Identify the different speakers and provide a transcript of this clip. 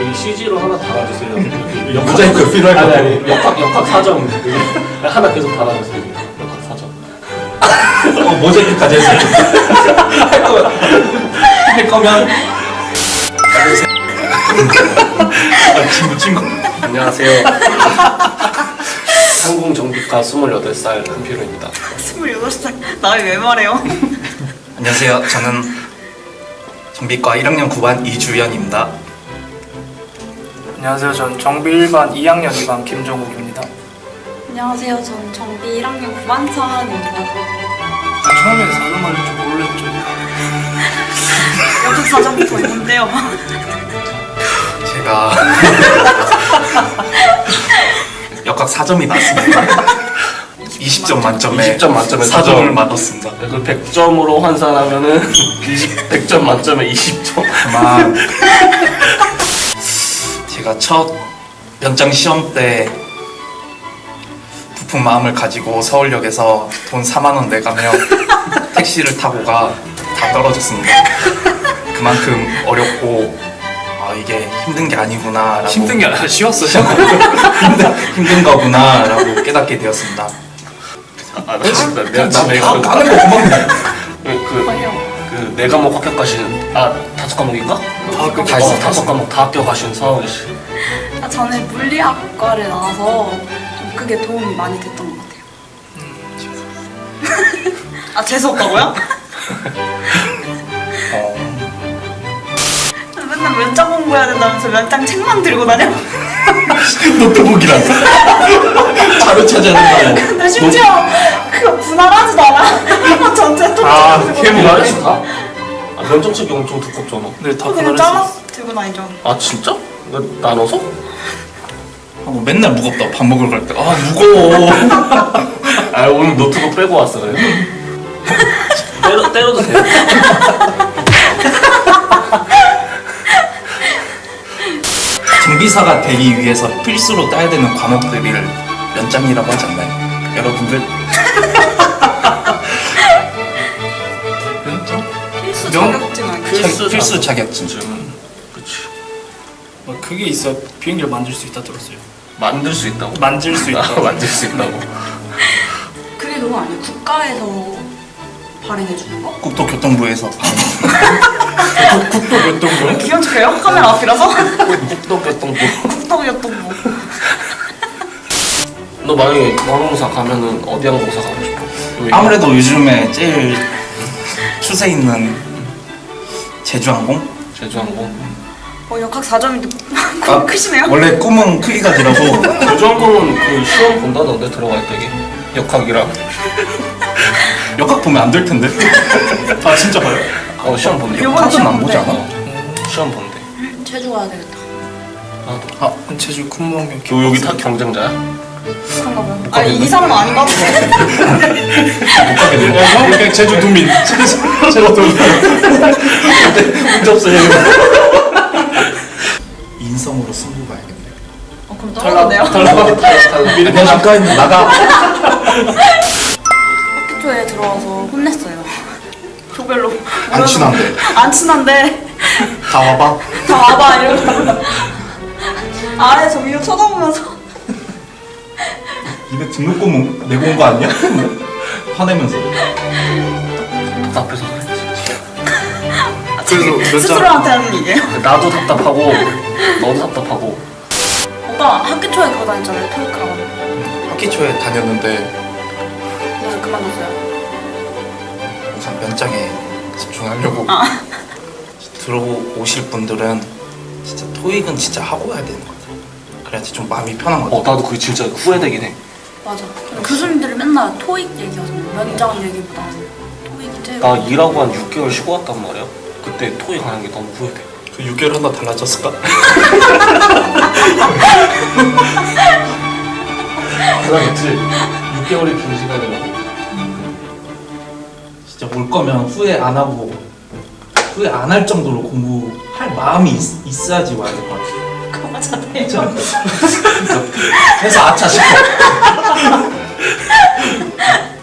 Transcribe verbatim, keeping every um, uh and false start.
Speaker 1: 여기 씨지로 하나 달아주세요.
Speaker 2: 모자이크 필요할 것
Speaker 1: 아니
Speaker 2: 같아요.
Speaker 1: 아니 역학 역학 사정 여기 하나 계속 달아주세요. 역학 사정.
Speaker 2: 어, 모자이크까지 해서 할 거면 할 거면 아, 친구 친구.
Speaker 1: 안녕하세요. 항공정비과 스물여덟 살 한필호입니다.
Speaker 3: 스물여덟 살 나이 왜 말해요?
Speaker 4: 안녕하세요. 저는 정비과 일 학년 구 반 이주연입니다.
Speaker 5: 안녕하세요. 전 정비 일 반 이 학년 이 반 김정욱입니다.
Speaker 6: 안녕하세요. 전 정비 일 학년 구 반 차은입니다.
Speaker 5: 처음에 사전 말릴 줄 모르겠죠.
Speaker 3: 역학 사정부터 있는데요.
Speaker 4: 제가 역학 사 점이 났습니다. 이십 점 만점에
Speaker 1: 이십 점 만점에
Speaker 4: 사 점을 맞았습니다.
Speaker 1: 그 백 점으로 환산하면은 백 점 만점에 이십 점.
Speaker 4: 아마 제가 첫 연장 시험 때 부푼 마음을 가지고 서울역에서 돈 사만 원 내가며 택시를 타고 가 다 떨어졌습니다. 그만큼 어렵고 아 이게 힘든 게 아니구나 라고
Speaker 5: 힘든 게 아니라 쉬웠어요.
Speaker 4: 힘든, 힘든 거구나 라고 깨닫게 되었습니다.
Speaker 1: 아, 나 진짜 내가
Speaker 4: 나
Speaker 1: 집에
Speaker 4: 다 까는 거 고맙네.
Speaker 1: 그, 그, 네 과목 합격하신, 아, 다섯 과목인가?
Speaker 5: 합격
Speaker 1: 다 했어, 다섯 과목 다 합격하신 서하은 씨.
Speaker 6: 아, 저는 물리학과를 나와서 좀 그게 도움이 많이 됐던 것 같아요.
Speaker 3: 아 재수없다고요?
Speaker 4: 어,
Speaker 3: 맨날 면접 공부해야 된다면서 면장 책만 들고 다녀?
Speaker 2: 노트북이랑 자료 찾아낸다고.
Speaker 3: 근데 심지어 그거 분할하지도 않아. 전체 통
Speaker 5: 아,
Speaker 3: 들고
Speaker 5: 걔
Speaker 3: 다녀.
Speaker 1: 분할했어, 다? 아, 면접책이 엄청 두껍잖아.
Speaker 5: 네, 다
Speaker 3: 그냥
Speaker 5: 분할했어요.
Speaker 3: 잘라서 들고 다니죠.
Speaker 1: 아, 진짜? 나, 나눠서?
Speaker 4: 하고 맨날 무겁다고 밥 먹으러 갈 때 아 무거워.
Speaker 1: 아, 오늘 노트북 빼고 왔어, 그래. 때려, 때려도 돼.
Speaker 4: 정비사가 되기 위해서 필수로 따야 되는 과목들을 연장이라고 하지 않나요? 여러분들? 연장?
Speaker 3: 필수
Speaker 5: 명-
Speaker 3: 자격증 아니야?
Speaker 1: 필수
Speaker 4: 자, 필수
Speaker 1: 자격.
Speaker 4: 자격증.
Speaker 1: 그치.
Speaker 5: 뭐 그게 있어야 비행기를 만들 수 있다 들었어요.
Speaker 1: 만들 수 있다고.
Speaker 5: 만질 수 있다.
Speaker 1: 아, 만들 수 있다고.
Speaker 6: 그게 그거 아니에요? 국가에서 발행해주는 거?
Speaker 4: 국토교통부에서
Speaker 5: 국토교통부.
Speaker 3: 귀여운 척해요? 카메라 앞이라서?
Speaker 1: 국도교통부.
Speaker 3: 국토교통부.
Speaker 1: 너 만약에 항공사 가면은 어디 항공사 가고 싶어? 여기
Speaker 4: 아무래도 요즘에 제일 추세 있는 제주항공?
Speaker 1: 제주항공.
Speaker 3: 어 역학 사 점인데
Speaker 4: 아,
Speaker 3: 크시네요?
Speaker 4: 원래 꿈은 크기가 더라고.
Speaker 1: 제주항공은 그 시험 본다던데 들어갈 때게 역학이랑.
Speaker 4: 역학 보면 안 될 텐데.
Speaker 5: 아 진짜 봐요?
Speaker 1: 어 시험 본대.
Speaker 3: 요번
Speaker 4: 역학은
Speaker 3: 시험
Speaker 4: 안 보지
Speaker 3: 본대.
Speaker 4: 않아?
Speaker 1: 시험 본대.
Speaker 6: 제주 가야 되겠다.
Speaker 1: 나도.
Speaker 5: 아 제주 쿤몽경.
Speaker 1: 너 여기 다 경쟁자야?
Speaker 6: 그런가 봐요.
Speaker 3: 아니 이 사람은 아닌가 보네.
Speaker 4: 못 가게 되네.
Speaker 5: 그냥 제주 도민. 제주 도민.
Speaker 4: 문제 없어요. 인성으로 승부 봐야겠네.
Speaker 3: 어 그럼 떨어졌네요.
Speaker 2: 미리 그냥 잠깐 나가.
Speaker 6: 학기 초에 들어와서 혼냈어요.
Speaker 3: 조별로.
Speaker 4: 안 친한데.
Speaker 3: 안 친한데
Speaker 4: 다 와봐.
Speaker 3: 다 와봐 이러고 아래에서 위로 쳐다보면서
Speaker 4: 입에 등록금 내고 온 거 아니야? 화내면서.
Speaker 1: 답답해서 그랬지.
Speaker 5: 그래서 몇 장?
Speaker 3: 스스로한테 하는 얘기예요.
Speaker 1: 나도 답답하고 너도 답답하고.
Speaker 6: 오빠 학기 초에 그거 다녔잖아요. 토익 학원.
Speaker 4: 학기 초에 다녔는데
Speaker 6: 그래서 그만뒀어요.
Speaker 4: 우선 면장에 집중하려고
Speaker 3: 아.
Speaker 4: 들어오실 분들은 진짜 토익은 진짜 하고 와야 되는 것 같아요. 그래야지 좀 마음이 편한 것
Speaker 1: 어
Speaker 4: 같아요.
Speaker 1: 나도 그게 진짜 후회되긴 해.
Speaker 6: 맞아. 교수님들이 맨날 토익 얘기하잖아요. 면장 얘기보다 토익이 제일.
Speaker 1: 나 일하고 한 육 개월 쉬고 왔단 말이야. 그때 토익 하는 게 너무 후회돼.
Speaker 4: 그 육 개월 하나 달라졌을까?
Speaker 1: 그러겠지. 육 개월이 긴 시간이라고.
Speaker 4: 진짜 올 거면 후회 안 하고 후회 안 할 정도로 공부할 마음이 있, 있어야지 와야 될 것 같아요.
Speaker 3: 그거 맞아요.
Speaker 4: 그래서 아차 싶어.